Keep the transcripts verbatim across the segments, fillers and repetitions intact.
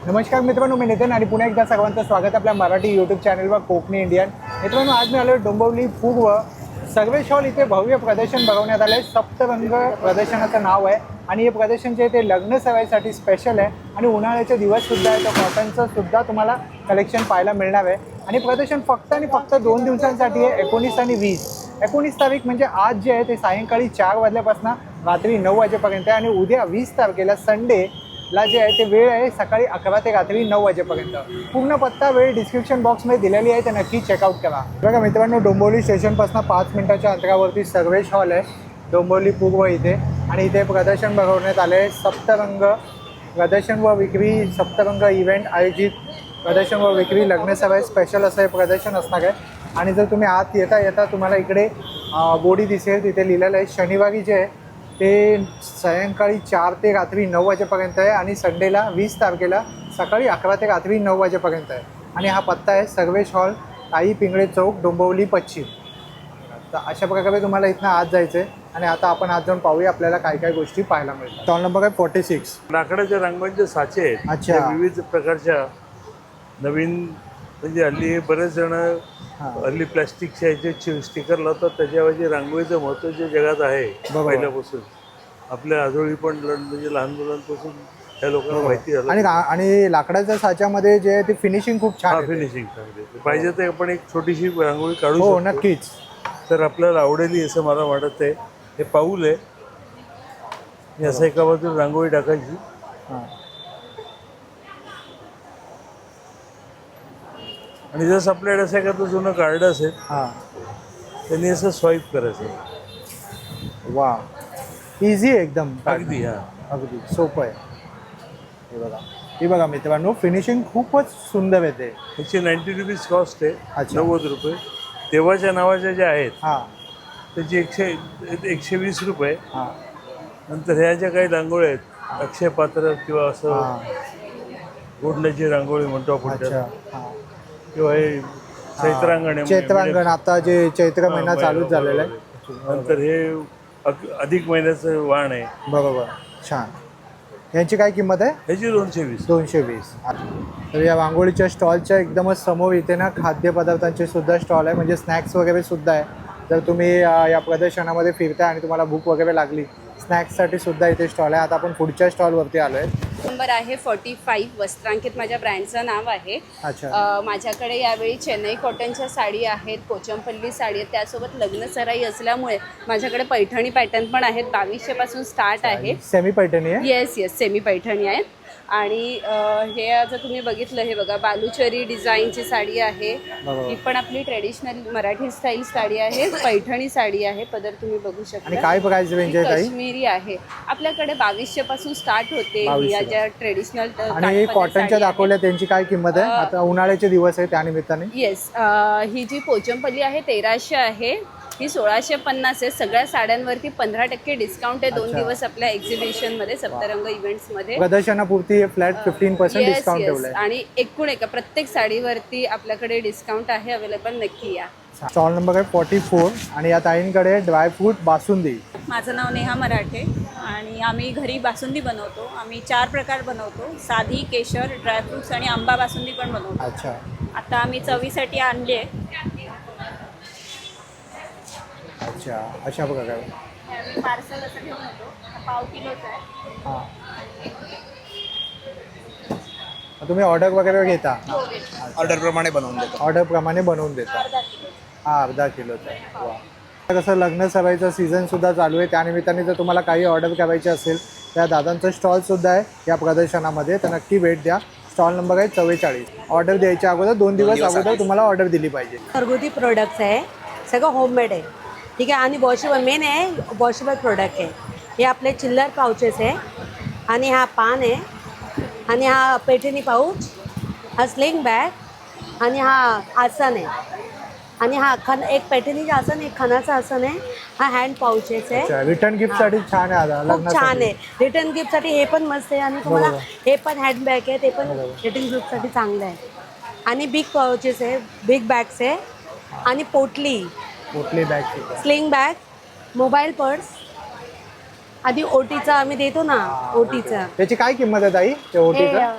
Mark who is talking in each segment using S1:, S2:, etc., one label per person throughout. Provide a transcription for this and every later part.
S1: नमस्कार मित्रांनो, मी नितीन आणि पुन्हा एकदा सर्वांचं स्वागत आपल्या मराठी यूट्यूब चॅनलवर कोकणी इंडियन. मित्रांनो, आज मी आलो डोंबिवली पूर्व सर्वेश हॉल इथे भव्य प्रदर्शन भरवण्यात आलं आहे. सप्तरंग प्रदर्शनाचं नाव आहे आणि हे प्रदर्शन जे ते लग्न सराईसाठी स्पेशल आहे आणि उन्हाळ्याचे दिवससुद्धा आहे. तर कॉटनचं सुद्धा तुम्हाला कलेक्शन पाहायला मिळणार आहे आणि प्रदर्शन फक्त आणि फक्त दोन दिवसांसाठी आहे, एकोणीस आणि वीस. एकोणीस तारीख म्हणजे आज जे आहे ते सायंकाळी चार वाजल्यापासून रात्री नऊ वाजेपर्यंत आहे आणि उद्या वीस तारखेला संडे ला जे आहे ते वेळ आहे सकाळी अकरा ते रात्री नऊ वाजेपर्यंत. पूर्ण पत्ता वेळ डिस्क्रिप्शन बॉक्समध्ये दिलेली आहे, तर नक्की चेकआउट करा. बघा मित्रांनो, डोंबिवली स्टेशनपासून पाच मिनिटाच्या अंतरावरती सर्वेश हॉल आहे डोंबिवली पूर्व इथे आणि इथे प्रदर्शन भरवण्यात आले आहे. सप्तरंग प्रदर्शन व विक्री सप्तरंग इव्हेंट आयोजित प्रदर्शन व विक्री लग्न सराई स्पेशल असं हे प्रदर्शन असणार आहे. आणि जर तुम्ही आत येता येता तुम्हाला इकडे बोर्डी दिसेल, तिथे लिहिलेलं आहे शनिवारी जे आहे ते सायंकाळी चार ते रात्री नऊ वाजेपर्यंत आहे आणि संडेला वीस तारखेला सकाळी अकरा ते रात्री नऊ वाजेपर्यंत आहे. आणि हा पत्ता आहे सर्वेश हॉल, ताई पिंगळे चौक, डोंबिवली पश्चिम. तर अशा प्रकारे तुम्हाला इथनं आत जायचं आहे आणि आता आपण आज जाऊन पाहूया आपल्याला काय काय गोष्टी पाहायला मिळतात. स्टॉल नंबर आहे फोर्टी सिक्स.
S2: लाकडाच्या रंगांचे साचे आहेत.
S1: अच्छा.
S2: विविध प्रकारच्या नवीन म्हणजे हल्ली बरेच जण हल्ली प्लॅस्टिकच्या याचे स्टिकर लावतात, त्याच्याऐवजी रांगोळीचं महत्त्व जे जगात आहे पहिल्यापासून आपल्या आजोळी पण म्हणजे लहान मुलांपासून त्या लोकांना माहिती झालं.
S1: आणि आणि लाकडाच्या साच्यामध्ये जे ते फिनिशिंग खूप छान,
S2: फिनिशिंग चांगली पाहिजे तर आपण एक छोटीशी रांगोळी काढू
S1: हो
S2: शकतो.
S1: नक्कीच.
S2: तर आपल्याला आवडेल असं मला वाटत आहे. हे पाऊल आहे, असं एका बाजूला रांगोळी टाकायची आणि जसं आपल्याकडे असं एखादं जुनं कार्ड असेल
S1: हां
S2: त्यांनी असं स्वाईप करायचं.
S1: वा, इझी आहे एकदम.
S2: अगदी हां
S1: अगदी सोपं आहे. हे बघा, हे बघा मित्रांनो, फिनिशिंग खूपच सुंदर येते.
S2: ह्याची नाईन्टी रुपीज कॉस्ट आहे.
S1: अच्छा.
S2: नव्वद रुपये. देवाच्या नावाच्या ज्या आहेत
S1: हां
S2: त्याची एकशे एकशे वीस रुपये.
S1: हां
S2: नंतर ह्या ज्या काही रांगोळ्या आहेत अक्षय पात्र किंवा असं
S1: हां.
S2: गोडण्याची रांगोळी म्हणतो आपण
S1: अच्छा.
S2: त्याला,
S1: हां.
S2: किंवा हे चैत्रांगण आहे.
S1: चैत्रांगण आता जे चैत्र महिना चालूच झालेला आहे.
S2: नंतर हे अक- अधिक महिन्याचं वाण आहे.
S1: बरोबर, छान. यांची काय किंमत आहे?
S2: ह्याची दोनशे वीस.
S1: दोनशे वीस. तर या रांगोळीच्या स्टॉलच्या एकदमच समोर इथे ना खाद्यपदार्थांचे सुद्धा स्टॉल आहे, म्हणजे स्नॅक्स वगैरे सुद्धा आहे. जर तुम्ही या प्रदर्शनामध्ये फिरता आणि तुम्हाला भूक वगैरे लागली, स्नॅक्ससाठी सुद्धा इथे स्टॉल आहे. आता आपण पुढच्या स्टॉलवरती आलो आहे.
S3: नंबर आहे फोर्टी फाईव्ह. वस्त्रांकित माझ्या ब्रँडचं नाव आहे.
S1: अच्छा.
S3: अ, माझ्याकडे यावेळी चेन्नई कॉटनच्या साडी आहेत, पोचमपल्ली साडी आहेत, त्यासोबत लग्न सराई असल्यामुळे माझ्याकडे पैठणी पॅटर्न पण आहेत. बावीसशे पासून स्टार्ट आहे.
S1: सेमी पैठणी आहे.
S3: येस येस सेमी पैठणी आहेत. आणि अ, हे जर तुम्ही बघितलं, हे बघा बालुचरी डिझाईनची साडी आहे. ही पण आपली ट्रेडिशनल मराठी स्टाईल साडी आहे. पैठणी साडी आहे. पदर तुम्ही बघू शकता.
S1: आणि काय प्राइस रेंज आहे ताई?
S3: काश्मीरी आहे. आपल्याकडे बावीसशे पासून स्टार्ट होते. या ज्या ट्रेडिशनल
S1: आणि कॉटनच्या दाखवल्या त्यांची काय किंमत आहे? आता उन्हाळ्याचे दिवस आहे त्यानिमित्ताने.
S3: येस, ही जी पोचमपल्ली आहे तेराशे आहे, ही सोळाशे पन्नास आहे. सगळ्या साड्यांवरती पंधरा टक्के डिस्काउंट आहे दोन दिवस आपल्या एक्झिबिशनमध्ये, सप्तरंग इव्हेंट्समध्ये.
S1: प्रदर्शनापुरती flat fifteen percent
S3: yes
S1: discount
S3: yes.
S1: ठेवलंय.
S3: आणि एकूण एका प्रत्येक साडीवरती आपल्याकडे डिस्काउंट आहे अवेलेबल. नक्की या.
S1: स्टॉल नंबर आहे फोर्टी फोर आणि या ताईंकडे ड्रायफ्रूट बासुंदी.
S4: माझं नाव नेहा मराठे आणि आम्ही घरी बासुंदी बनवतो. आम्ही चार प्रकार बनवतो: साधी, केशर, ड्रायफ्रुट्स आणि आंबा बासुंदी पण बनवतो.
S1: अच्छा.
S4: आता आम्ही चवीसाठी आणली आहे.
S1: अच्छा, अशा प्रकारे.
S4: आम्ही पार्सल असं घेऊन येतो. पाव किलोचं आहे.
S1: हां, तुम्ही ऑर्डर वगैरे घेता?
S5: ऑर्डरप्रमाणे बनवून देतो.
S1: ऑर्डरप्रमाणे बनवून देता.
S4: अर्धा किलो.
S1: हा, अर्धा किलोचा आहे. वा. कसं लग्न सराईचा सीझनसुद्धा चालू आहे, त्यानिमित्ताने जर तुम्हाला काही ऑर्डर करायची असेल त्या दादांचं स्टॉलसुद्धा आहे या प्रदर्शनामध्ये, तर नक्की भेट द्या. स्टॉल नंबर आहे चव्वेचाळीस. ऑर्डर द्यायच्या अगोदर दोन दिवस अगोदर तुम्हाला ऑर्डर दिली पाहिजे.
S6: घरगुती प्रोडक्ट्स आहे, सगळं होममेड आहे. ठीक आहे. आणि वॉशेबल मेन आहे, वॉशेबल प्रोडक्ट आहे. हे आपले चिल्लर पाउचेस आहे आणि हा पान आहे आणि हा पैठणी पाऊच, हा स्लिंग बॅग आणि हा आसन आहे आणि हा खन एक पैठणीचं आसन, एक खणाचं आसन आहे. हा हँड पाउचेस आहे.
S1: रिटर्न गिफ्टसाठी छान आहे. आता
S6: खूप छान आहे. रिटर्न गिफ्टसाठी हे पण मस्त आहे आणि तुम्हाला हे पण हँडबॅग आहे, ते पण रिटर्न गिफ्टसाठी चांगलं आहे. आणि बिग पाउचेस आहे, बिग बॅग्स आहे आणि पोटली,
S1: पोटली bag,
S6: sling bag, mobile purse आधी ओटीचा आम्ही देतो ना, ओटीचा
S1: त्याची काय किंमत आहे ताई? ते ओटीचं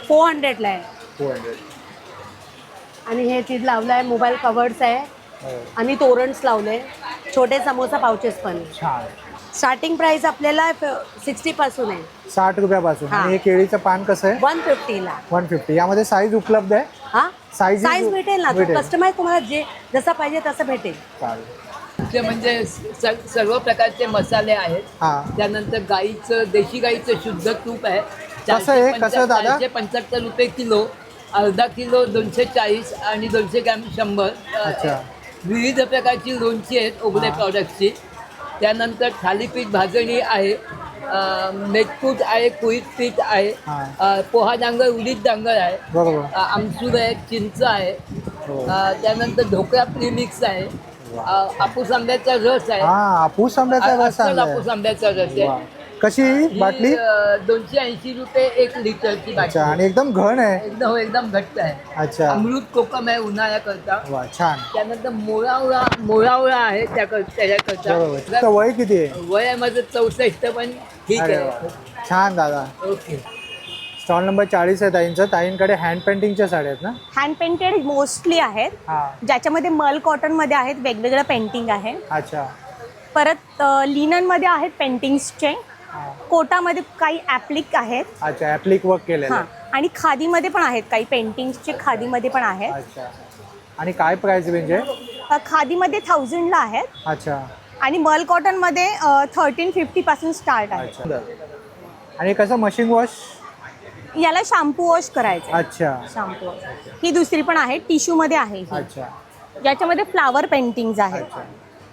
S6: फोर हंड्रेडला आहे.
S1: Two hundred.
S6: आणि हे चीज लावलं आहे, मोबाईल कवर्स आहे आणि तोरणस लावले, छोटे समोसा पाउचेस पण.
S1: छान.
S6: स्टार्टिंग प्राइस आपल्याला सिक्स्टी पासून आहे,
S1: साठ रुपयापासून.
S6: हा.
S1: आणि हे केळीचं पान कसं आहे?
S6: वन फिफ्टीला.
S1: One fifty. यामध्ये साईज उपलब्ध आहे?
S6: हा
S1: Sizes
S6: साईज भेटेल ना,
S1: भेटेल.
S6: कस्टमाइज तुम्हाला जे जसं पाहिजे तसं भेटेल.
S1: चालेल.
S7: ते म्हणजे स- सर्व प्रकारचे मसाले आहेत.
S1: हा.
S7: त्यानंतर गाईचं देशी गाईचं शुद्ध तूप आहे.
S1: कसं आहे? कसं दादा?
S7: चारशे पंच्याहत्तर रुपये किलो, अर्धा किलो दोनशे चाळीस आणि दोनशे ग्रॅम शंभर.
S1: अच्छा.
S7: विविध प्रकारची लोणची आहेत ओगले प्रॉडक्टची. त्यानंतर थालीपीठ भाजणी आहे, अं, मेटकूट आहे, कुळीत पीठ आहे,
S1: हा.
S7: अं, पोहा डांगर उडीद डांगर आहे,
S1: बरोबर.
S7: अं, आमसूर आहे, चिंच आहे,
S1: हो.
S7: अं, त्यानंतर ढोकळा प्रीमिक्स आहे, अं, हापूस आंब्याचा रस आहे,
S1: हा, हापूस आंब्याचा रस
S7: अस्सल
S1: आणलाय.
S7: हापूस आंब्याचा रस
S1: वा.
S7: आहे.
S1: कशी
S7: ही,
S1: बाटली?
S7: अं, दोनशे ऐंशी रुपये एक लिटरची
S1: अच्छा.
S7: बाटली.
S1: आणि एकदम घन आहे.
S7: एकदम हो, एकदम घट्ट आहे.
S1: अच्छा.
S7: अमृत कोकम आहे उन्हाळ्याकरता.
S1: वा, छान.
S7: त्यानंतर मोळावळा मोळावळा आहे त्याकर त्याच्याकरता.
S1: बरोबर. तुमचं वय किती आहे?
S7: वय आहे माझं चौसष्ट, पण ठीक
S1: अरे
S7: आहे.
S1: वा. छान दादा.
S7: ओके.
S1: स्टॉल नंबर चाळीस आहे ताईंचं. ताईंकडे हँड पेंटिंगच्या साड्या आहेत ना?
S8: हँड पेंटेड मोस्टली आहेत,
S1: हा.
S8: ज्याच्यामध्ये मल कॉटनमध्ये आहेत, वेगवेगळं पेंटिंग आहे.
S1: अच्छा.
S8: परत लिननमध्ये आहेत पेंटिंग्सचे,
S1: हा.
S8: कोटामध्ये काही ॲप्लिक आहेत.
S1: अच्छा. ऍप्लिक वर्क केलेलं
S8: हां,
S1: आहे.
S8: आणि खादीमध्ये पण आहेत काही पेंटिंग्सचे, खादीमध्ये पण आहेत.
S1: अच्छा. आणि काय प्राइस रेंज आहे?
S8: अ, खादीमध्ये थाउजंडला आहेत
S1: अच्छा.
S8: आणि मल कॉटनमध्ये थर्टीन फिफ्टीपासून स्टार्ट आहे.
S1: अच्छा. आणि कसं मशीन वॉश?
S8: याला शॅम्पू वॉश करायचं आहे.
S1: अच्छा.
S8: Shampoo wash. ही दुसरी पण आहे, टिश्यूमध्ये आहे ही,
S1: अच्छा.
S8: ज्याच्यामध्ये फ्लावर पेंटिंग्स आहेत.
S1: अच्छा.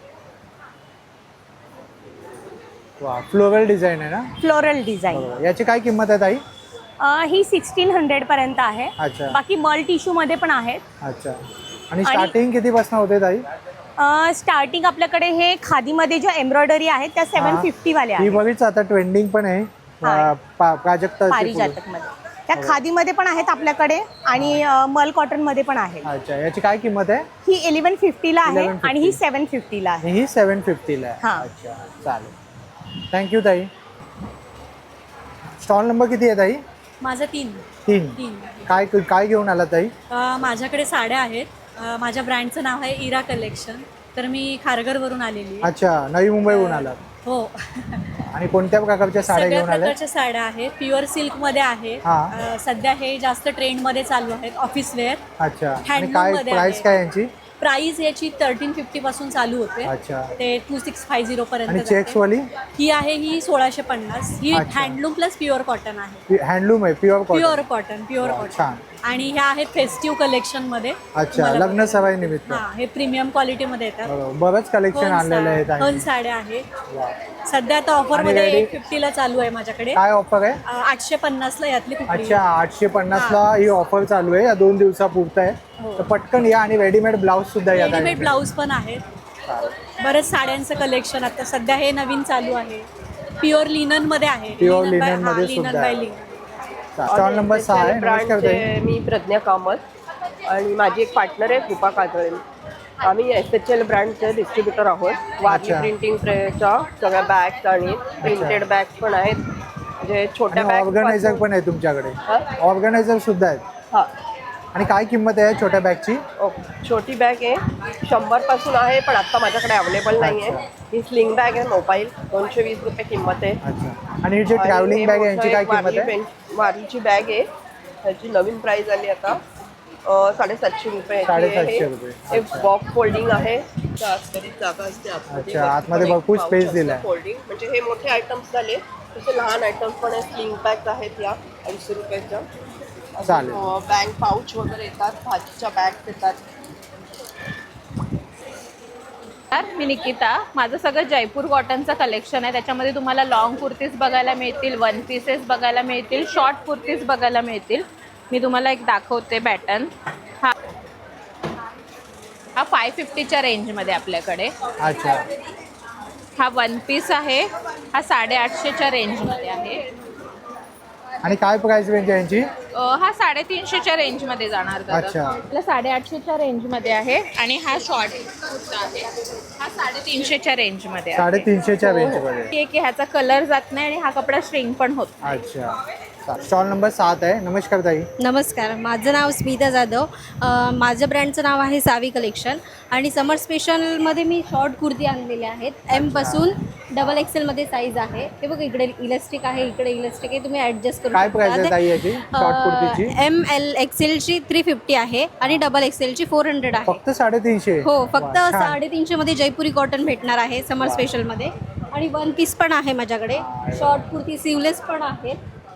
S1: वा, फ्लोरल डिझाईन आहे ना?
S8: Floral design.
S1: बरोबर. याची काय किंमत आहे ताई?
S8: ही सिक्स्टीन हंड्रेड पर्यंत आहे.
S1: अच्छा.
S8: बाकी मल टिश्यू मध्ये पण आहेत.
S1: अच्छा. आणि स्टार्टिंग कितीपासून होते ताई?
S8: स्टार्टिंग आपल्याकडे हे खादीमध्ये जो एम्ब्रॉयडरी आहे त्या सेवन
S1: हा.
S8: फिफ्टी वाले
S1: ही
S8: आहेत.
S1: बघीच आता ट्रेंडिंग पण आहे.
S8: हा.
S1: पा- प्राजक्ता.
S8: पारिजातक मध्ये त्या खादीमध्ये पण आहेत आपल्याकडे आणि अ, मल कॉटन मध्ये पण आहे.
S1: अच्छा. याची काय किंमत आहे?
S8: ही इलेव्हन फिफ्टीला आहे
S1: eleven fifty.
S8: आणि ही सेवन फिफ्टीला आहे.
S1: आणि ही सेवन फिफ्टीला आहे.
S8: हा.
S1: अच्छा. चालेल. थँक्यू ताई. स्टॉल नंबर किती आहे ताई?
S4: माझं तीन
S1: तीन.
S4: तीन
S1: काय काय घेऊन आला ताई?
S4: अ, माझ्याकडे साड्या आहेत. अ, माझ्या ब्रँडचं नाव आहे इरा कलेक्शन. तर मी खारघरवरून आलेली आहे.
S1: अच्छा. नवी मुंबईहून आला.
S4: हो.
S1: आणि कोणत्या प्रकारच्या साड्या
S4: सगळ्या
S1: घेऊन आल्या?
S4: प्रकारच्या साड्या आहेत. प्युअर सिल्कमध्ये आहे.
S1: हा.
S4: अ, सध्या हे जास्त ट्रेंडमध्ये चालू आहेत, ऑफिस वेअर.
S1: अच्छा. आणि
S4: Handloom
S1: काय
S4: मध्ये
S1: प्राइस
S4: आहे.
S1: काय यांची?
S4: प्राइस याची थर्टीन फिफ्टी पासून चालू होते,
S1: अच्छा.
S4: ते टू सिक्स फाय झिरो
S1: आणि
S4: पर्यंत
S1: चेक्स
S4: जाते.
S1: वाली?
S4: ही आहे ही सोळाशे पन्नास. ही
S1: अच्छा.
S4: हँडलूम प्लस प्युअर कॉटन आहे.
S1: हँडलूम आहे, pure cotton.
S4: Pure cotton pure
S1: वा,
S4: कॉटन.
S1: छान.
S4: आणि ह्या आहेत फेस्टिव्ह कलेक्शन मध्ये.
S1: अच्छा.
S4: तुम्हाला
S1: लग्न
S4: बघायला.
S1: सराई निमित्त.
S4: हा, हे प्रीमियम क्वालिटी मध्ये येतात.
S1: बरोबर. बरंच कलेक्शन
S4: हन
S1: आणलेलं आहे
S4: साड्या- हन
S1: ताई.
S4: साड्या आहेत.
S1: वा.
S4: सध्या आता ऑफर
S1: आणि
S4: मध्ये
S1: ready-
S4: एट फिफ्टीला चालू आहे माझ्याकडे.
S1: काय ऑफर आहे?
S4: अ, आठशे पन्नासला यातली कुठली.
S1: अच्छा. आठशे पन्नासला ही ऑफर चालू आहे या दोन दिवसापुरतं आहे.
S4: हो.
S1: तर पटकन या. आणि रेडीमेड ब्लाऊज सुद्धा या
S4: रेडीमेड
S1: ताईंकडे.
S4: ब्लाऊज पण आहेत.
S1: चालेल.
S4: बरेच साड्यांचं कलेक्शन आता सध्या हे नवीन चालू आहे. प्युअर लिनन मध्ये आहे.
S1: Pure
S4: Linen by-
S1: linen
S4: हा,
S1: मध्ये
S4: linen
S1: सुद्धा
S4: by
S1: आहे.
S4: linen.
S1: स्टॉल नंबर सहा आहे. नमस्कार ताई.
S9: ब्रँडचे मी प्रज्ञा कामत आणि माझी एक पार्टनर आहे कृपा काजळे. आम्ही एस एच एल ब्रँडचे डिस्ट्रीब्युटर आहोत. वारली
S1: अच्छा.
S9: प्रिंटिंग प्रेच्या सगळ्या बॅग्स आणि प्रिंटेड बॅग्स पण आहेत, म्हणजे छोट्या बॅग.
S1: ऑर्गनायझर पण आहे तुमच्याकडे?
S9: हा?
S1: ऑर्गनायझर सुद्धा आहेत.
S9: हां.
S1: आणि काय किंमत आहे छोट्या बॅगची?
S9: ओके. छोटी बॅग आहे शंभर पासून आहे, पण आता माझ्याकडे अवेलेबल नाही आहे. ही स्लिंग बॅग आहे मोबाईल, दोनशे वीस रुपये किंमत आहे.
S1: अच्छा. आणि ही जी
S9: आणि
S1: ट्रॅव्हलिंग
S9: हे
S1: बॅग आहे
S9: मोठं
S1: यांची काय
S9: एक
S1: किंमत
S9: वारली
S1: आहे?
S9: पेंट- वारलीची बॅग आहे, त्याची नवीन प्राइस आली आता अ, साडेसातशे रुपये.
S1: साडेसातशे रुपये.
S9: एक बॉक्स फोल्डिंग आहे, त्या आतमध्ये जागा असते आतमध्ये.
S1: अच्छा, आतमध्ये
S9: एक
S1: भरपूर
S9: pouch
S1: space
S9: असतं
S1: दिलाय.
S9: फोल्डिंग. म्हणजे हे मोठे आयटम्स झाले, तसे लहान आयटम्स पण आहेत. स्लिंग बॅग्स आहेत या अडीचशे रुपयाच्या.
S1: चालेल.
S9: बॅग पाऊच वगैरे येतात, भाजीच्या बॅग्स येतात.
S3: मी निकिता. माझं सगळं जयपूर कॉटनचं कलेक्शन आहे. त्याच्यामध्ये तुम्हाला लॉंग कुर्तीज बघायला मिळतील, वन पीसेस बघायला मिळतील, शॉर्ट कुर्तीज बघायला मिळतील. मी तुम्हाला एक दाखवते पॅटर्न. हा हा फाय फिफ्टीच्या रेंजमध्ये आपल्याकडे.
S1: अच्छा.
S3: हा वन पीस आहे, हा साडेआठशेच्या रेंजमध्ये आहे.
S1: आणि काय प्राइस रेंज आहे यांची?
S3: अ, हा साडेतीनशेच्या रेंजमध्ये जाणार दादा.
S1: अच्छा.
S3: आपला साडेआठशेच्या रेंजमध्ये आहे. आणि हा शॉर्ट कुर्ता आहे, हा साडेतीनशेच्या रेंजमध्ये आहे.
S1: साडेतीनशेच्या
S3: हो, हो.
S1: रेंजमध्ये.
S3: की की ह्याचा कलर जात नाही आणि हा कपडा श्रिंक पण होत नाही.
S1: अच्छा. स्टॉल नंबर सात आहे. नमस्कार ताई.
S10: नमस्कार, माझं नाव स्मिता जाधव. अ, माझं ब्रँडचं नाव आहे सावी कलेक्शन आणि समर स्पेशलमध्ये मी शॉर्ट कुर्ती आणलेले आहेत. एमपासून डबल एक्सेलमध्ये साईज आहे. हे बघ, इकडे इलास्टिक आहे, इकडे इलास्टिक आहे, तुम्ही ॲडजस्ट करू
S1: काय प्राइस आहे ताई याची शॉर्ट कुर्तीची?
S10: एम एल एक्सेलची थ्री फिफ्टी आहे आणि डबल एक्सेलची फोर हंड्रेड आहे.
S1: फक्त साडेतीनशे?
S10: हो, फक्त
S1: वा, छान.
S10: साडेतीनशेमध्ये जयपुरी कॉटन भेटणार आहे समर स्पेशलमध्ये. आणि वन पीस पण आहे माझ्याकडे. शॉर्ट कुर्ती सिवलेस पण आहेत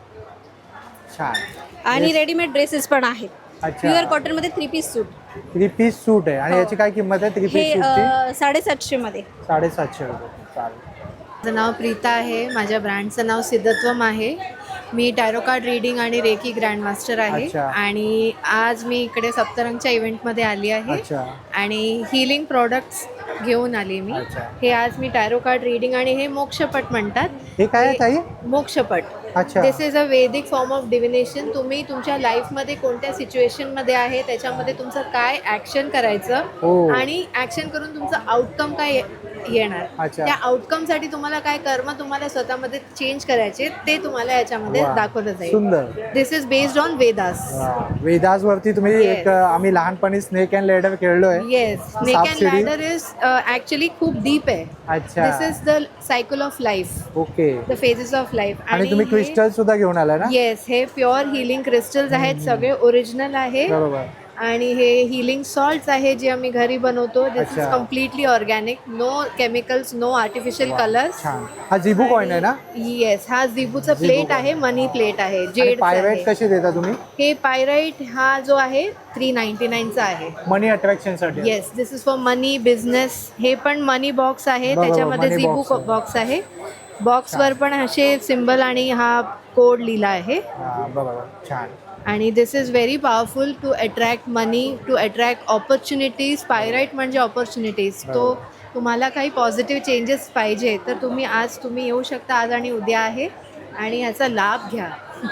S1: छान.
S10: आणि रेडीमेड ड्रेसेस पण आहेत.
S1: अच्छा.
S10: प्युअर कॉटनमध्ये three piece suit.
S1: Three piece suit आहे आणि
S10: हो.
S1: याची काय किंमत आहे थ्री
S10: हे
S1: पीस सूटची?
S10: अ, साडेसातशेमध्ये.
S1: साडेसातशे रुपये. चालेल.
S11: माझं नाव प्रीता आहे. माझ्या ब्रँडचं नाव सिद्धत्वम आहे. मी टॅरो कार्ड रीडिंग आणि रेकी ग्रँडमास्टर आहे.
S1: अच्छा.
S11: आणि आज मी इकडे सप्तरंगच्या इव्हेंटमध्ये आली आहे
S1: अच्छा.
S11: आणि हिलिंग प्रॉडक्ट्स घेऊन आली मी.
S1: अच्छा.
S11: हे आज मी टॅरो कार्ड रीडिंग आणि हे मोक्षपट म्हणतात.
S1: हे काय आहे ताई?
S11: मोक्षपट.
S1: अच्छा.
S11: दिस इज अ वैदिक फॉर्म ऑफ डिव्हिनेशन. तुम्ही तुमच्या लाईफमध्ये कोणत्या सिच्युएशनमध्ये आहे, त्याच्यामध्ये तुमचं काय ॲक्शन करायचं
S1: हो.
S11: आणि ॲक्शन करून तुमचं आउटकम काय येणार,
S1: अच्छा.
S11: त्या आउटकमसाठी तुम्हाला काय कर्म तुम्हाला स्वतःमध्ये चेंज करायचे ते तुम्हाला याच्यामध्ये
S1: वा.
S11: दाखवलं जाईल.
S1: सुंदर.
S11: This is based on Vedas.
S1: Vedas वरती तुम्ही
S11: Yes.
S1: एक आम्ही लहानपणी स्नेक अँड लेडर खेळलोय.
S11: येस, स्नेक अँड
S1: सापशिडी.
S11: लॅडर इज ॲक्च्युली खूप डीप आहे.
S1: अच्छा.
S11: This is the cycle of life,
S1: okay.
S11: The phases of life.
S1: आणि तुम्ही क्रिस्टल सुद्धा घेऊन आला ना?
S11: येस, हे प्युअर हिलिंग क्रिस्टल्स आहेत, सगळे ओरिजिनल आहे.
S1: बरोबर.
S11: आणि हे हिलिंग सॉल्ट्स आहे जे आम्ही घरी बनवतो. दिस इज
S1: अच्छा.
S11: Completely organic, no chemicals, no artificial colours.
S1: छान. हा जिबू कॉइन आहे ना?
S11: येस, हा जिबूचा प्लेट आहे, मनी प्लेट आहे, जेड.
S1: पायराइट कशी देता तुम्ही?
S11: हे पायराइट हा जो आहे थ्री नाईन्टी नाईनचा आहे.
S1: मनी अट्रॅक्शन साठी?
S11: Yes, this is for money business. हे पण मनी बॉक्स आहे,
S1: बरोबर,
S11: त्याच्यामध्ये
S1: money
S11: जिबू
S1: box आहे.
S11: बॉक्स आहे. बॉक्सवर पण असे सिम्बल आणि हा कोड लिहिला आहे.
S1: हा, बरोबर. छान.
S11: आणि this is very powerful to attract money, to attract opportunities. Pyrite म्हणजे ऑपॉर्च्युनिटीज. तो तुम्हाला काही पॉझिटिव्ह चेंजेस पाहिजे तर तुम्ही आज तुम्ही येऊ शकता. आज आणि उद्या आहे आणि याचा लाभ घ्या.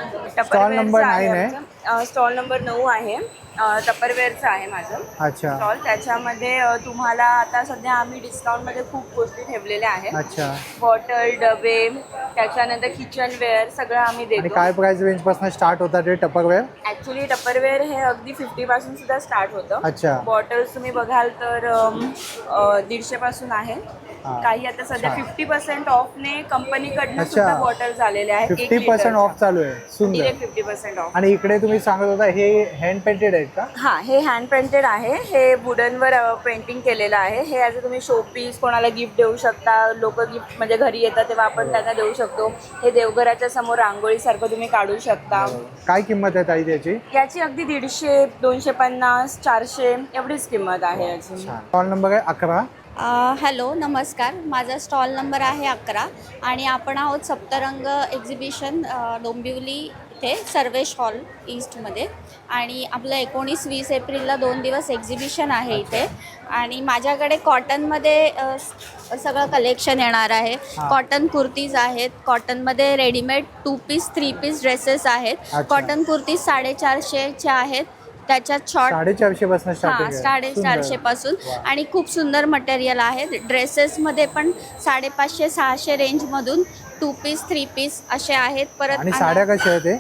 S1: स्टॉल नंबर नाईन आहे.
S12: स्टॉल नंबर नऊ आहे. टपरवेअरचं आहे माझं
S1: अच्छा.
S12: स्टॉल. त्याच्यामध्ये अ, तुम्हाला आता सध्या आम्ही डिस्काउंटमध्ये खूप गोष्टी ठेवलेल्या आहेत.
S1: अच्छा.
S12: बॉटल, डबे, त्याच्यानंतर किचनवेअर सगळं आम्ही
S1: आणि
S12: देतो.
S1: काय प्राइस रेंज पासून स्टार्ट होतात ते टपरवेअर?
S12: ॲक्च्युली टपरवेअर हे अगदी फिफ्टी पासून सुद्धा स्टार्ट होतं.
S1: अच्छा.
S12: बॉटल्स तुम्ही बघाल तर अम, अ, दीडशे पासून आहे.
S1: हा.
S12: काही आता सध्या
S1: छान.
S12: फिफ्टी पर्सेंट ऑफने कंपनीकडनं
S1: अच्छा.
S12: सुद्धा बॉटल्स आलेल्या आहेत.
S1: फिफ्टी पर्सेंट ऑफ चालू आहे. सुंदर.
S12: Direct fifty percent off.
S1: आणि इकडे तुम्ही सांगत होता हे हँड पेंटेड आहेत का?
S12: हां, हे हँड पेंटेड आहे. हे वुडनवर पेंटिंग केलेलं आहे. हे ॲज अ तुम्ही शोपीस कोणाला गिफ्ट देऊ शकता. लोक गिफ्ट म्हणजे घरी येतात तेव्हा आपण त्यांना देऊ शकतो. हे देवघराच्या समोर रांगोळीसारखं तुम्ही काढू शकता.
S1: काय किंमत आहे ताई त्याची?
S12: याची अगदी दीडशे, दोनशे पन्नास, चारशे एवढीच किंमत आहे याची.
S1: स्टॉल नंबर आहे अकरा.
S13: हॅलो, नमस्कार. माझा स्टॉल नंबर आहे अकरा आणि आपण आहोत सप्तरंग एक्झिबिशन डोंबिवली इथे सर्वेश हॉल ईस्टमध्ये. आणि आपलं एकोणीस वीस एप्रिलला दोन दिवस एक्झिबिशन आहे इथे. आणि माझ्याकडे कॉटनमध्ये अ, सगळं कलेक्शन येणार आहे. कॉटन कुर्तीज आहेत, कॉटनमध्ये readymade two piece three piece dresses आहेत. कॉटन कुर्तीज साडेचारशेच्या आहेत, त्याच्यात शॉर्ट
S1: साडेचारशे पासून
S13: हां साडेचारशे पासून. आणि खूप सुंदर मटेरियल आहे. ड्रेसेसमध्ये पण साडेपाचशे सहाशे रेंजमधून टू पीस थ्री पीस असे आहेत. परत
S1: आणि साड्या कशा आहेत ते?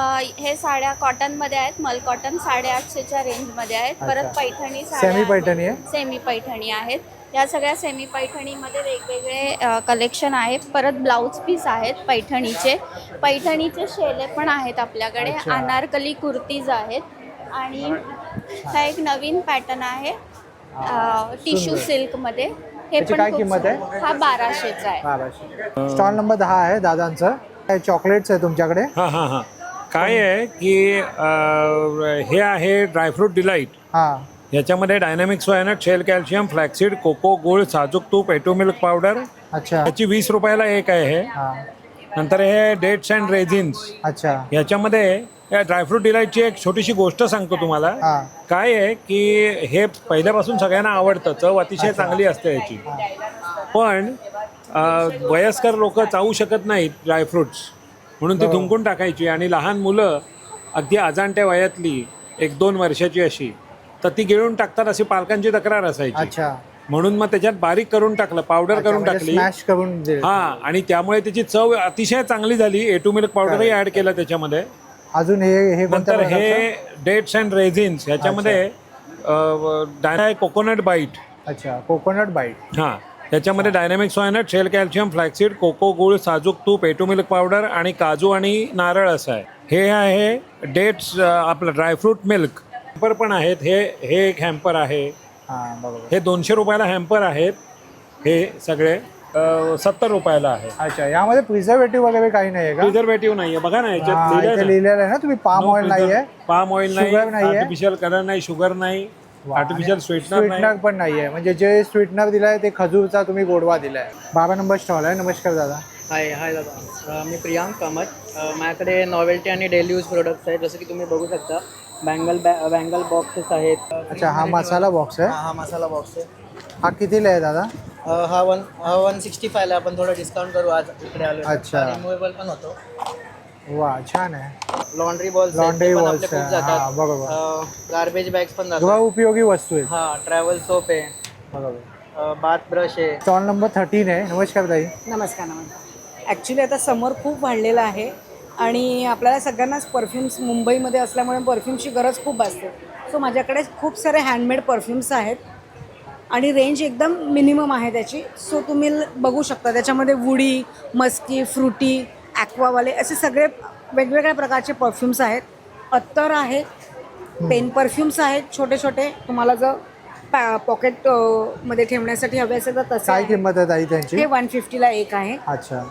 S13: हे साड्या कॉटनमध्ये आहेत. मल कॉटन साडेआठशेच्या रेंजमध्ये आहेत. परत पैठणी
S1: सेमी पैठणी आहे.
S13: सेमी पैठणी आहेत. या सगळ्या सेमी पैठणीमध्ये वेगवेगळे कलेक्शन आहे. परत ब्लाऊज पीस आहेत पैठणीचे. पैठणीचे शेले पण आहेत आपल्याकडे. अनारकली कुर्तीज आहेत. आणि हा एक नवीन पॅटर्न आहे टिश्यू सिल्कमध्ये. हे पण
S1: काय
S13: खूप
S1: किंमत आहे?
S13: सुंदर. हा बाराशेचा आहे.
S1: बाराशे. स्टॉल नंबर दहा आहे दादांचं. काय चॉकलेट्स आहे तुमच्याकडे?
S14: हां हां हां काय आहे की अ, हे आहे ड्रायफ्रूट डिलाईट.
S1: हां.
S14: याच्यामध्ये dynamic soya nut, shell calcium, flaxseed, cocoa, गुळ, साजूक तूप, एटो मिल्क पावडर.
S1: अच्छा.
S14: याची वीस रुपयाला एक आहे हे.
S1: हां.
S14: नंतर हे डेट्स अँड रेझिन्स.
S1: अच्छा.
S14: याच्यामध्ये या ड्रायफ्रूट डिलाईटची एक छोटीशी गोष्ट सांगतो तुम्हाला.
S1: हां.
S14: काय आहे की हे पहिल्यापासून सगळ्यांना आवडतं. चव अतिशय चांगली असते याची. पण अ, वयस्कर लोक चावू शकत नाहीत ड्रायफ्रुट्स, म्हणून ती धुंकून टाकायची. आणि लहान मुलं अगदी अजाणत्या वयातली एक दोन वर्षाची अशी तर ती गिळून टाकतात अशी पालकांची तक्रार असायची.
S1: अच्छा.
S14: म्हणून मग त्याच्यात बारीक करून टाकलं, पावडर करून टाकली,
S1: स्मॅश करून दिले.
S14: हा, आणि त्यामुळे त्याची चव अतिशय चांगली झाली. ए टू मिल्क पावडरही ऍड केलं त्याच्यामध्ये.
S1: अजून हे हे कोणत्या
S14: नंतर हे
S1: प्रकारचं?
S14: डेट्स अँड रेझिन्स ह्याच्यामध्ये डाय कोकोनट बाईट.
S1: अच्छा, कोकोनट बाईट.
S14: हां, त्याच्यामध्ये dynamic soya nut, shell calcium, flaxseed, cocoa गुळ, साजूक तूप, ए टू मिल्क पावडर आणि काजू आणि नारळ असं आहे. हे आहे डेट्स आपलं ड्रायफ्रूट मिल्क. हॅम्पर पण आहेत. हे हे एक हॅम्पर आहे.
S1: हां, बरोबर.
S14: हे दोनशे रुपयाला हॅम्पर आहेत. हे सगळे सत्तर रुपयाला आहे.
S1: अच्छा, यामध्ये प्रिझर्वेटिव्ह वगैरे काही नाही आहे का?
S14: प्रिझर्वेटिव्ह नाही आहे, बघा ना
S1: हा,
S14: याच्यात
S1: इथे
S14: लिहिलंय
S1: लिहिलेलं आहे ना तुम्ही, पाम ऑइल नाही आहे,
S14: पाम ऑइल नाही,
S1: शुगर नाही आहे,
S14: आर्टिफिशियल कलर नाही, शुगर नाही, आर्टिफिशियल स्वीटनर
S1: स्वीटनर
S14: नाही.
S1: पण नाही आहे. म्हणजे जे स्वीटनर दिलाय ते खजूरचा तुम्ही गोडवा दिलाय. बारा नंबर स्टॉल आहे. नमस्कार दादा.
S15: हाय हाय दादा, मी प्रियांक कामत. माझ्याकडे नॉवेल्टी आणि डेली यूज प्रोडक्ट्स आहेत. जसं की तुम्ही बघू शकता, बँगल बॅ बँगल बॉक्सेस आहेत.
S1: अच्छा, हा मसाला बॉक्स आहे.
S15: हा मसाला बॉक्स आहे.
S1: हा कितीला आहे दादा?
S15: हा वन हा वन सिक्स्टी फायला आपण थोडं डिस्काउंट करू आज इकडे आलो.
S1: अच्छा.
S15: रिमूवेबल पण होतो.
S1: वा, छान आहे.
S15: लॉन्ड्री बॉल्स
S1: लॉन्ड्री
S15: पण
S1: बॉल्स
S15: आपले खूप
S1: आहे.
S15: जातात.
S1: हा, बरोबर.
S15: गार्बेज बॅग्स पण
S1: गृह
S15: जातात.
S1: उपयोगी वस्तू आहेत.
S15: हा, ट्रॅव्हल सोप आहे,
S1: बरोबर.
S15: बाथ ब्रश आहे.
S1: स्टॉल नंबर थर्टीन आहे. नमस्कार ताई.
S16: नमस्कार नमस्कार. ॲक्च्युली आता समर खूप वाढलेला आहे आणि आपल्याला सगळ्यांनाच परफ्युम्स मुंबईमध्ये असल्यामुळे परफ्यूमची गरज खूप असते. सो माझ्याकडे खूप सारे हँडमेड परफ्युम्स आहेत आणि रेंज एकदम मिनिमम आहे त्याची. सो तुम्ही ल- बघू शकता त्याच्यामध्ये वुडी, मस्की, फ्रुटी, ॲक्वावाले असे सगळे वेगवेगळ्या प्रकारचे परफ्युम्स आहेत. अत्तर आहे, पेन परफ्युम्स आहेत छोटे छोटे. तुम्हाला जर पॅ पॉकेट मध्ये ठेवण्यासाठी हवे असेल तर तसे
S1: काय
S16: आहे.
S1: किंमत आहे ताई त्यांची?
S16: हे वन फिफ्टीला एक आहे.
S1: अच्छा.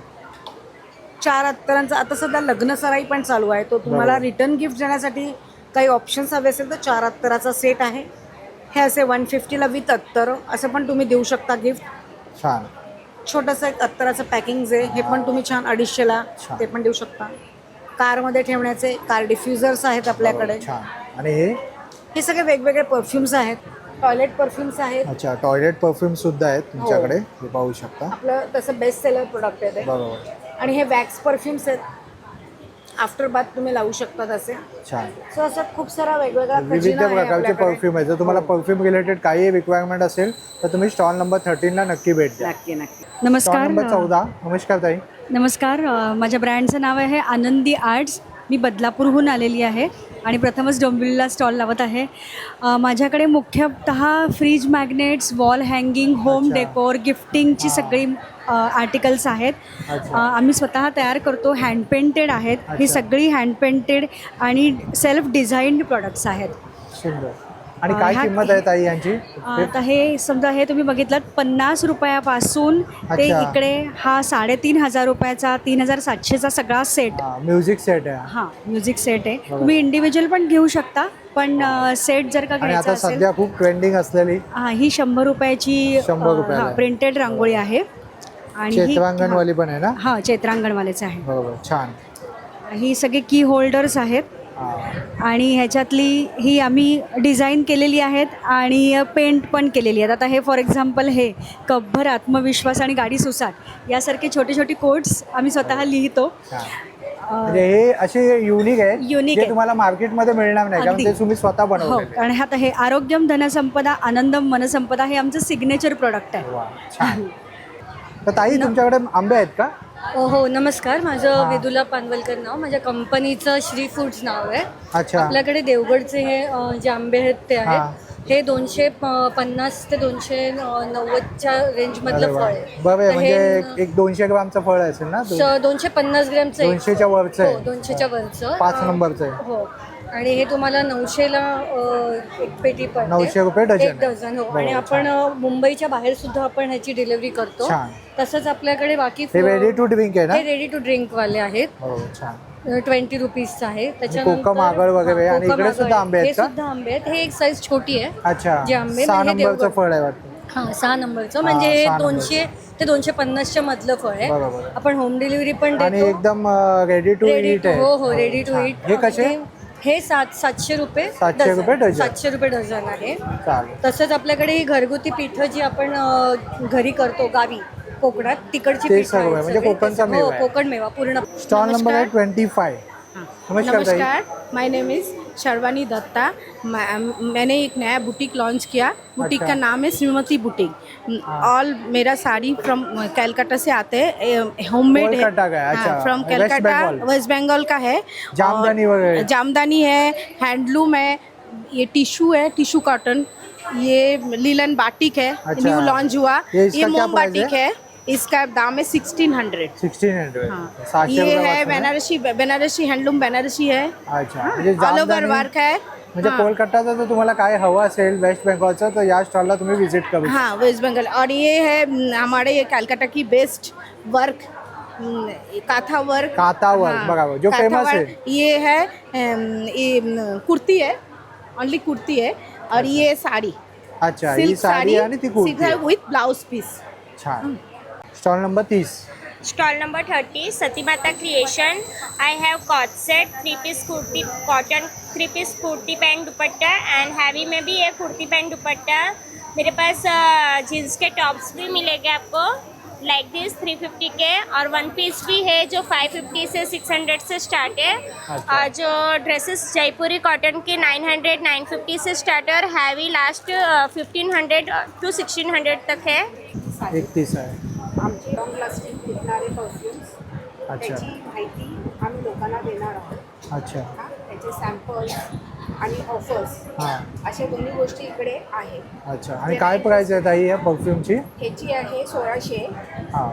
S16: चार अत्तरांचा आता सध्या लग्न सराई पण चालू आहे. तो तुम्हाला
S1: बरोबर.
S16: रिटर्न गिफ्ट देण्यासाठी काही ऑप्शन्स हवे असेल तर चार अत्तराचा सेट आहे. हे असे वन फिफ्टीला विथ अत्तर असं पण तुम्ही देऊ शकता गिफ्ट.
S1: छान.
S16: छोटंसं एक अत्तराचं पॅकिंग आहे, हे पण तुम्ही छान अडीचशेला ते पण देऊ शकता. कारमध्ये ठेवण्याचे कार डिफ्युजर्स आहेत आपल्याकडे.
S1: छान. आणि हे
S16: हे सगळे वेगवेगळे परफ्युम्स आहेत. टॉयलेट परफ्युम्स आहेत.
S1: अच्छा, टॉयलेट परफ्यूम सुद्धा आहेत तुमच्याकडे.
S16: हो.
S1: हे पाहू शकता.
S16: आपलं तसं बेस्ट सेलर प्रोडक्ट आहे ते.
S1: बरोबर.
S16: आणि हे वॅक्स परफ्युम्स आहेत. आफ्टर बाथ तुम्ही लावू शकता तसे.
S1: छान.
S16: सो असं खूप सारा वेगवेगळा
S1: विविध
S16: खजिना आहे
S1: प्रकारचे
S16: आपल्याकडे.
S1: परफ्यूम आहेत. जर तुम्हाला परफ्यूम रिलेटेड काही रिक्वायरमेंट असेल तर तुम्ही स्टॉल नंबर थर्टीनला नक्की भेट द्या.
S16: नक्की नक्की.
S1: स्टॉल
S17: नमस्कार.
S1: नंबर चौदा. नमस्कार ताई.
S17: नमस्कार. अ, माझ्या ब्रँडचं नाव आहे आनंदी आर्ट्स. मी बदलापूरहून आलेली आहे आणि प्रथमच डोंबिवलीला स्टॉल लावत आहे. अ, माझ्याकडे मुख्यतः fridge magnets, wall hanging, home decor, गिफ्टिंगची सगळी आर्टिकल्स आहेत.
S1: अच्छा.
S17: अ, आम्ही स्वतः तयार करतो. हँड पेंटेड आहेत. ही
S1: अच्छा.
S17: सगळी हँड पेंटेड आणि सेल्फ डिझाईन्ड प्रॉडक्ट्स आहेत.
S1: सुंदर. आणि
S17: अ,
S1: काय
S17: ह्या-
S1: किंमत आहे ताई यांची?
S17: आता हे समजा हे तुम्ही बघितलं पन्नास रुपयापासून ते
S1: अच्छा.
S17: इकडे हा साडेतीन हजार रुपयाचा, तीन हजार सातशेचा सगळा सेट.
S1: म्युझिक सेट आहे.
S17: हां, म्युझिक सेट आहे.
S1: बरोबर.
S17: तुम्ही इंडिव्हिज्युअल पण घेऊ शकता, पण सेट जर का
S1: आणि
S17: घ्यायचा
S1: आता
S17: असेल
S1: सध्या खूप ट्रेंडिंग असलेली
S17: हां, ही शंभर रुपयाची
S1: शंभर रुपयाला आहे.
S17: प्रिंटेड रांगोळी आहे. आणि ही-
S1: चित्रांगणवाली पण आहे ना?
S17: हां, चित्रांगणवालेच आहे.
S1: बरोबर. छान.
S17: ही सगळे की होल्डर्स आहेत आणि ह्याच्यातली ही आम्ही डिझाईन केलेली आहेत आणि पेंट पण केलेली आहेत. आता हे फॉर एक्झाम्पल हे कपभर आत्मविश्वास आणि गाडी सुसाट यासारखे छोटे छोटे कोट्स आम्ही स्वतः लिहितो.
S1: म्हणजे हे असे युनिक आहेत
S17: Unique
S1: जे
S17: आहेत.
S1: तुम्हाला मार्केटमध्ये मिळणार नाही, कारण
S17: अगदी.
S1: ते तुम्ही स्वतः
S17: हो,
S1: बनवलेले.
S17: कारण आता हे आरोग्यम धनसंपदा आनंदम मनसंपदा हे आमचं सिग्नेचर प्रोडक्ट आहे.
S1: छान. तर ताई तुमच्याकडे आंबे आहेत का?
S18: हो, नमस्कार. माझं
S1: हां.
S18: वेदुला पानवलकर नाव. माझ्या कंपनीचं श्री फूड्स नाव आहे.
S1: अच्छा.
S18: आपल्याकडे देवगडचे हे अ, जे आंबे आहेत ते
S1: हां.
S18: आहेत. हे दोनशे प- पन्नास ते दोनशे अ, नव्वदच्या रेंजमधलं
S1: अरे
S18: फळ
S1: वा.
S18: आहे.
S1: बरं आहे,
S18: तर हे
S1: म्हणजे एक दोनशे ग्रामचं फळ असेल ना? दोन-
S18: स- दोनशे पन्नास ग्रॅमचं एक-
S1: दोनशेच्या वरचं आहे.
S18: हो, दोनशेच्या वरचं.
S1: पाच
S18: अ,
S1: नंबरचं आहे.
S18: हो. आणि हे तुम्हाला नऊशेला अ, एक पेटी पडते.
S1: नऊशे रुपये डझन
S18: एक
S1: आहे.
S18: डझन. हो.
S1: बरोबर,
S18: आणि आपण अ, मुंबईच्या बाहेर सुद्धा आपण ह्याची डिलिव्हरी करतो.
S1: छान.
S18: तसंच आपल्याकडे बाकी
S1: हे ready to drink आहे ना?
S18: हे रेडी टू ड्रिंक वाले आहेत.
S1: हो, छान.
S18: ट्वेंटी रुपीजचं आहे.
S1: कोकम आगळ वगैरे
S18: हां,
S1: आणि
S18: कोकम
S1: इकडे सुद्धा
S18: आगळ.
S1: आंबे
S18: हे
S1: आहेत का?
S18: सुद्धा आंबे आहेत. हे एक साईज छोटी आहे.
S1: अच्छा.
S18: जे आंबे
S1: सहा
S18: म्हणजे
S1: नंबरचं
S18: देवगड.
S1: फळ आहे वाटतं.
S18: हां, सहा नंबरचं
S1: हां,
S18: म्हणजे हे
S1: सहा
S18: दोनशे ते दोनशे पन्नासच्या मधलं फळ आहे.
S1: बरोबर.
S18: आपण होम डिलिव्हरी पण
S1: आणि
S18: देतो.
S1: एकदम ready to
S18: ready
S1: eat
S18: to
S1: आहे.
S18: हो हो रेडी टू
S1: छान.
S18: ईट.
S1: हे कसे?
S18: हे सात सातशे रुपये
S1: सातशे रुपये डझन.
S18: सातशे रुपये डझन आहे.
S1: चालेल.
S18: तसंच आपल्याकडे ही घरगुती पिठं जी आपण अ, घरी करतो गावी कोकणात तिकडची
S1: ते
S18: पिठं
S1: सर्व आहे,
S18: आहेत
S1: म्हणजे
S18: सगळी.
S1: कोकणचा
S18: हो,
S1: मेवा आहे.
S18: कोकण मेवा पूर्ण.
S1: स्टॉल नंबर आहे ट्वेंटी फाय. नमस्कार ताई.
S19: नमस्कार. My name is
S8: Sharvani Datta. मैं- मैंने एक नया बुटीक लॉन्च किया। बुटीक
S1: अच्छा।
S8: का नाम है श्रीमती बुटीक। ऑल मेरा साड़ी फ्रॉम कलकत्ता से आते हैं, होममेड है।
S1: कोलकाता का है, अच्छा।
S8: From
S1: west
S8: Calcutta,
S1: Bengal.
S8: West Bengal का है।
S1: जामदानी
S8: और
S1: वगैरह।
S8: जामदानी है, हैंडलूम है, ये टिश्यू है, टिश्यू कॉटन, ये लीलन बाटिक है,
S1: अच्छा।
S8: न्यू लॉन्च हुआ।
S1: ये इसका
S8: ये
S1: क्या
S8: मोम
S1: प्राइस
S8: बाटिक
S1: है?
S8: है, इसका दाम है सिक्सटीन हंड्रेड।
S1: सिक्सटीन हंड्रेड
S8: हाँ, ये है बनारसी, बनारसी हैंडलूम बनारसी है,
S1: अच्छा म्हणजे
S8: ऑल ओव्हर
S1: जामदानी-
S8: वर्क है।
S1: म्हणजे
S8: हाँ।
S1: कोलकाताचं जर तुम्हाला काय हवं असेल वेस्ट बेंगॉलचं तर या स्टॉलला तुम्ही व्हिजिट करू शकता.
S8: हाँ, वेस्ट बंगाल। और ये है न, हमारे ये कलकत्ता की बेस्ट वर्क, न, काथा वर्क।
S1: काथा वर्क, बघा, जो
S8: काथा
S1: famous
S8: वर्क,
S1: है।
S8: ये है अम, ये न, कुर्ती है, ओनली कुर्ती है। और ये साड़ी,
S1: अच्छा ही
S8: सिल्क
S1: साडी आणि ती कुर्ती आहे.
S8: With blouse piece.
S1: छान. स्टॉल नंबर तीस.
S19: Stall number thirty, Satimata Creation. I have cord set, three piece kurti, cotton three piece kurti pant dupatta and heavy में भी है कुर्ती पैंट दुपट्टा। मेरे पास जीन्स के टॉप्स भी मिलेंगे आपको लाइक दिस थ्री फिफ्टी के, और वन पीस भी है जो फाइव फिफ्टी से सिक्स हंड्रेड से स्टार्ट है।
S1: अच्छा।
S19: और जो ड्रेसेस जयपुरी कॉटन के नाइन हंड्रेड नाइन फिफ्टी से स्टार्ट है, और heavy last fifteen hundred to sixteen hundred तक है।
S1: एकतीस आहे.
S8: आमचे लॉंग लास्टिंग टिकणारे परफ्युम्स,
S1: अच्छा.
S8: त्याची माहिती आम्ही लोकांना देणार आहोत.
S1: अच्छा.
S8: हा, त्याचे सॅम्पल्स आणि ऑफर्स,
S1: हां.
S8: अशा दोन्ही गोष्टी इकडे आहेत.
S1: अच्छा आणि काय प्राइस आहे ताई या परफ्यूमची?
S8: ह्याची आहे सोळाशे.
S1: हां.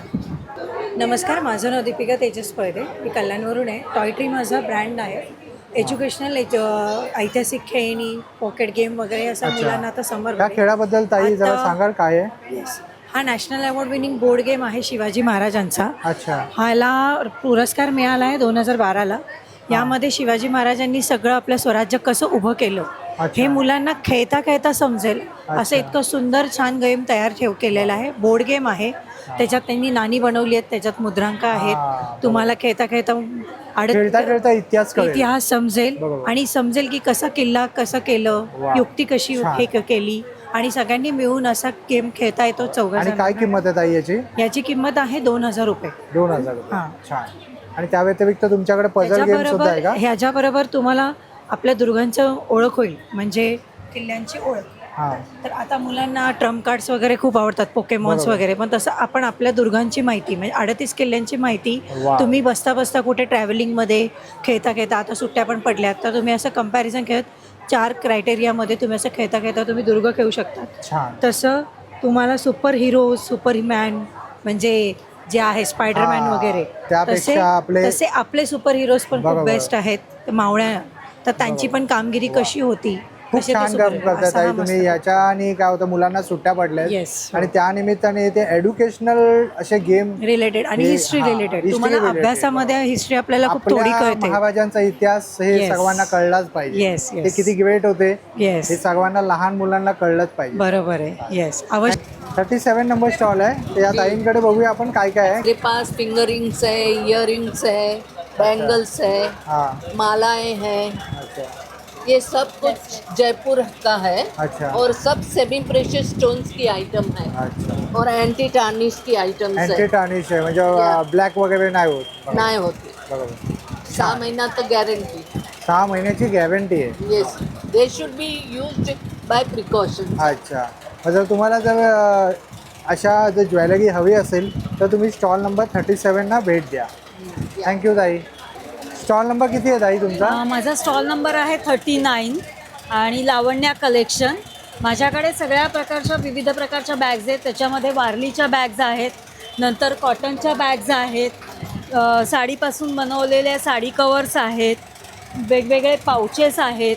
S18: नमस्कार, माझं नाव दीपिका तेजस पळदे, मी कल्याणवरून आहे. टॉय ट्री माझा ब्रँड आहे. एज्युकेशनल ऐतिहासिक खेळणी, पॉकेट गेम वगैरे असं
S1: अच्छा.
S18: मुलांना आता समर
S1: त्या खेळाबद्दल ताई जरा
S18: आता-
S1: सांगाल काय आहे?
S18: येस, हा national award winning board game आहे शिवाजी महाराजांचा.
S1: अच्छा.
S18: ह्याला पुरस्कार मिळाला आहे दोन हजार बाराला. यामध्ये शिवाजी महाराजांनी सगळं आपलं स्वराज्य कसं उभं केलं हे मुलांना खेळता खेळता समजेल असं इतकं सुंदर छान गेम तयार ठेव केलेला आहे. बोर्ड गेम आहे, त्याच्यात त्यांनी नाणी बनवली आहेत, त्याच्यात मुद्रांक आहेत. तुम्हाला खेळता खेळता
S1: खेळता खेळता इतिहास कळेल.
S18: इतिहास समजेल
S1: बरोबर.
S18: आणि समजेल की कसा किल्ला कसं केलं,
S1: वा.
S18: युक्ती कशी
S1: छान.
S18: हे क- केली, आणि सगळ्यांनी मिळून असा गेम खेळता येतो चौघा
S1: आणि काय किंमत आहे ताई याची?
S18: याची किंमत आहे दोन हजार रुपये.
S1: दोन हजार रुपये.
S18: हां.
S1: छान. आणि त्या व्यतिरिक्त तुमच्याकडे पझल गेम सुद्धा आहे का?
S18: ह्याच्याबरोबर तुम्हाला आपल्या दुर्गांचं ओळख होईल, म्हणजे किल्ल्यांची ओळख.
S1: हां.
S18: तर आता मुलांना ट्रम्प कार्ड्स वगैरे खूप आवडतात, पोकेमॉन्स
S1: बरोबर.
S18: वगैरे, पण तसं आपण आपल्या दुर्गांची माहिती म्हणजे अडतीस किल्ल्यांची माहिती
S1: वा.
S18: तुम्ही बसता बसता कुठे ट्रॅव्हलिंगमध्ये खेळता खेळता, आता सुट्ट्या पण पडल्यात तर तुम्ही असं कंपॅरिझन खेळत चार क्रायटेरियामध्ये तुम्ही असं खेळता खेळता तुम्ही दुर्ग खेळू शकता.
S1: छान.
S18: तसं तुम्हाला सुपर हिरो, सुपरमॅन म्हणजे जे आहे स्पायडरमॅन
S1: हां.
S18: वगैरे,
S1: त्यापेक्षा
S18: तसे
S1: आपले-
S18: तसे आपले सुपर हिरोज पण खूप
S1: बरोबर.
S18: बेस्ट आहेत. तर मावळ्या, तर त्यांची पण कामगिरी कशी होती,
S1: खूप
S18: कसे ते
S1: छान
S18: super
S1: काम
S18: hero,
S1: करतात
S18: असा
S1: ताई
S18: हा
S1: तुम्ही.
S18: मस्त.
S1: याच्या आणि काय होतं मुलांना सुट्ट्या पडल्या आहेत.
S18: Yes.
S1: आणि त्या निमित्ताने ते एज्युकेशनल असे गेम
S18: रिलेटेड आणि हिस्ट्री रिलेटेड, तुम्हाला अभ्यासामध्ये हिस्ट्री आपल्याला खूप थोडी
S1: आपल्या
S18: कळते.
S1: महाराजांचा इतिहास हे
S18: Yes.
S1: सर्वांना कळलाच पाहिजे.
S18: Yes, yes.
S1: ते किती ग्रेट होते
S18: Yes.
S1: हे सर्वांना लहान मुलांना कळलंच पाहिजे.
S18: बरोबर आहे. येस, अवश्य.
S1: थर्टी सेवन नंबर स्टॉल आहे. तर या ताईंकडे बघूया आपण काय काय आहे.
S20: मेरे पास फिंगर रिंग्स है, इयर रिंग्स है, बैंगल्स है,
S1: हाँ.
S20: मालाएं हैं.
S1: अच्छा.
S20: ये सब कुछ जयपुर का है.
S1: अच्छा.
S20: और सब सेमी प्रेशियस स्टोन्स की आइटम है.
S1: अच्छा.
S20: और एंटी टार्निश की आइटम्स
S1: अँटी
S20: है.
S1: टार्निश आहे म्हणजे ब्लॅक वगैरे नाही होत.
S20: नहीं होती.
S1: बरोबर.
S20: सहा महीना तक गारंटी.
S1: सहा महिन्याची गॅरंटी आहे.
S20: Yes, they should be used by precaution.
S1: अच्छा. मग जर तुम्हाला जर अ, अशा जर ज्वेलरी हवी असेल तर तुम्ही स्टॉल नंबर थर्टी सेवनला भेट द्या. थँक्यू ताई. स्टॉल नंबर किती आहे ताई तुमचा?
S17: अ, माझा स्टॉल नंबर आहे थर्टी नाईन आणि लावण्या कलेक्शन. माझ्याकडे सगळ्या प्रकारच्या विविध प्रकारच्या बॅग्स आहेत. त्याच्यामध्ये वारलीच्या बॅग्स आहेत, नंतर कॉटनच्या बॅग्स आहेत, अ, साडीपासून बनवलेल्या साडी कवर्स आहेत, वेगवेगळे पाउचेस आहेत,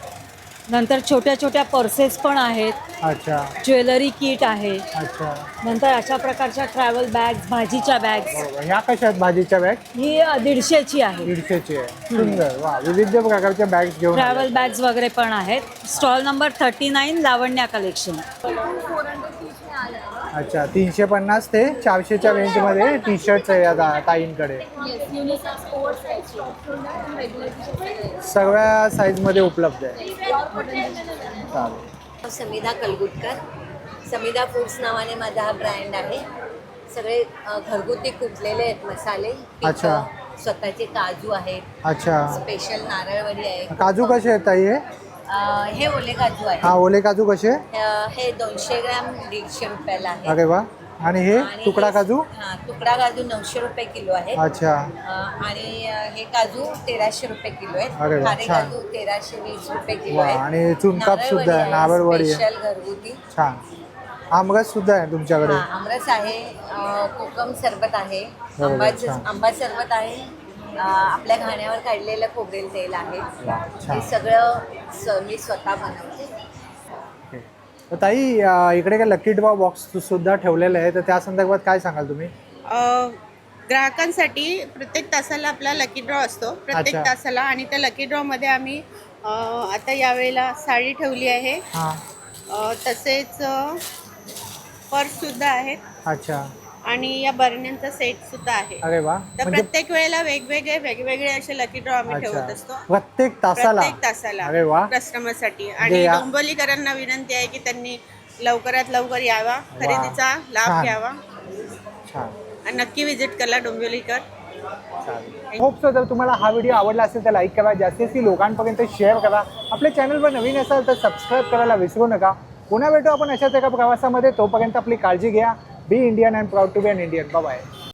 S17: नंतर छोट्या छोट्या पर्सेस पण आहेत,
S1: अच्छा.
S17: ज्वेलरी किट आहे,
S1: अच्छा.
S17: नंतर अशा प्रकारच्या ट्रॅव्हल बॅग्स, भाजीच्या बॅग्स.
S1: बरोबर. ह्या कशा आहेत भाजीच्या बॅग?
S17: ही अ, दीडशेची आहे.
S1: दीडशेची आहे. सुंदर. वा, विविध प्रकारच्या बॅग्स घेऊन आले.
S17: ट्रॅव्हल बॅग्स वगैरे पण आहेत. Stall number thirty nine Lavanya collection.
S1: अच्छा. तीनशे पन्नास ते चारशेच्या रेंजमध्ये टी शर्ट्स आहे या ता- ताईंकडे. सगळ्या साईजमध्ये उपलब्ध आहे. चालेल.
S21: समिधा कलगुटकर. समिधा फूड्स नावाने माझा हा ब्रँड आहे. सगळे अ, घरगुती कुटलेले आहेत मसाले,
S1: अच्छा.
S21: पिठं, स्वतःचे काजू आहेत.
S1: अच्छा.
S21: स्पेशल नारळवडी आहे.
S1: काजू कसे आहेत ताई हे?
S21: अं, हे ओले काजू आहे.
S1: हा ओले काजू कसे?
S21: अं, हे दोनशे ग्रॅम दीडशे रुपयाला आहे.
S1: अरे वा. आणि हे
S21: आणि
S1: तुकडा
S21: हे-
S1: काजू?
S21: हा तुकडा काजू नऊशे रुपये किलो आहे.
S1: अच्छा.
S21: अं, आणि अं, हे काजू तेराशे रुपये किलो आहेत.
S1: अरे वा,
S21: खारे
S1: छान.
S21: काजू तेराशे वीस रुपये किलो
S1: वा,
S21: आहे.
S1: आणि चुनकाप सुद्धा आहे, नारळवडी आहे.
S21: स्पेशल घरगुती.
S1: छान. आमरस सुद्धा आहे तुमच्याकडे?
S21: हा, आमरस आहे. अं, कोकम सरबत आहे.
S1: बरोबर,
S21: आंबाचं
S1: छान.
S21: आंबा सरबत आहे. अं, आपल्या घाण्यावर काढलेलं खोबरेल तेल आहे.
S1: छान.
S21: हे सगळं स- मी स्वतः बनवते.
S1: तर ताई अ, इकडे काय लकी ड्रॉ बॉक्स सुद्धा ठेवलेलं आहे, तर त्या संदर्भात काय सांगाल तुम्ही?
S2: अ, ग्राहकांसाठी प्रत्येक तासाला आपला लकी ड्रॉ असतो प्रत्येक
S1: अच्छा.
S2: तासाला आणि त्या लकी ड्रॉमध्ये आम्ही अ, आता यावेळेला साडी ठेवली आहे.
S1: हां.
S2: अ, तसेच पर्ससुद्धा आहेत
S1: अच्छा.
S2: आणि या बरण्यांचा सेट सुद्धा आहे.
S1: अरे वा.
S2: तर
S1: म्हणजे
S2: प्रत्येक वेळेला वेगवेगळे वेगवेगळे असे लकी ड्रॉ आम्ही
S1: अच्छा.
S2: ठेवत असतो
S1: प्रत्येक तासाला?
S2: प्रत्येक तासाला
S1: अरे वा.
S2: कस्टमरसाठी.
S1: म्हणजे
S2: आणि
S1: या-
S2: डोंबिवलीकरांना विनंती आहे की त्यांनी लवकरात लवकर यावा, खरेदीचा लाभ
S1: छान.
S2: घ्यावा
S1: छान.
S2: आणि नक्की विजिट करा डोंबिवलीकर.
S1: होप सो जर तुम्हाला हा व्हिडिओ आवडला असेल तर लाईक करा, जास्तीत जास्त लोकांपर्यंत शेअर करा. आपल्या चॅनलवर नवीन असाल तर सबस्क्राईब करायला विसरू नका. पुन्हा भेटू आपण अशाच एका प्रवासामध्ये. तोपर्यंत आपली काळजी घ्या. Be Indian and proud to be an Indian. Bye.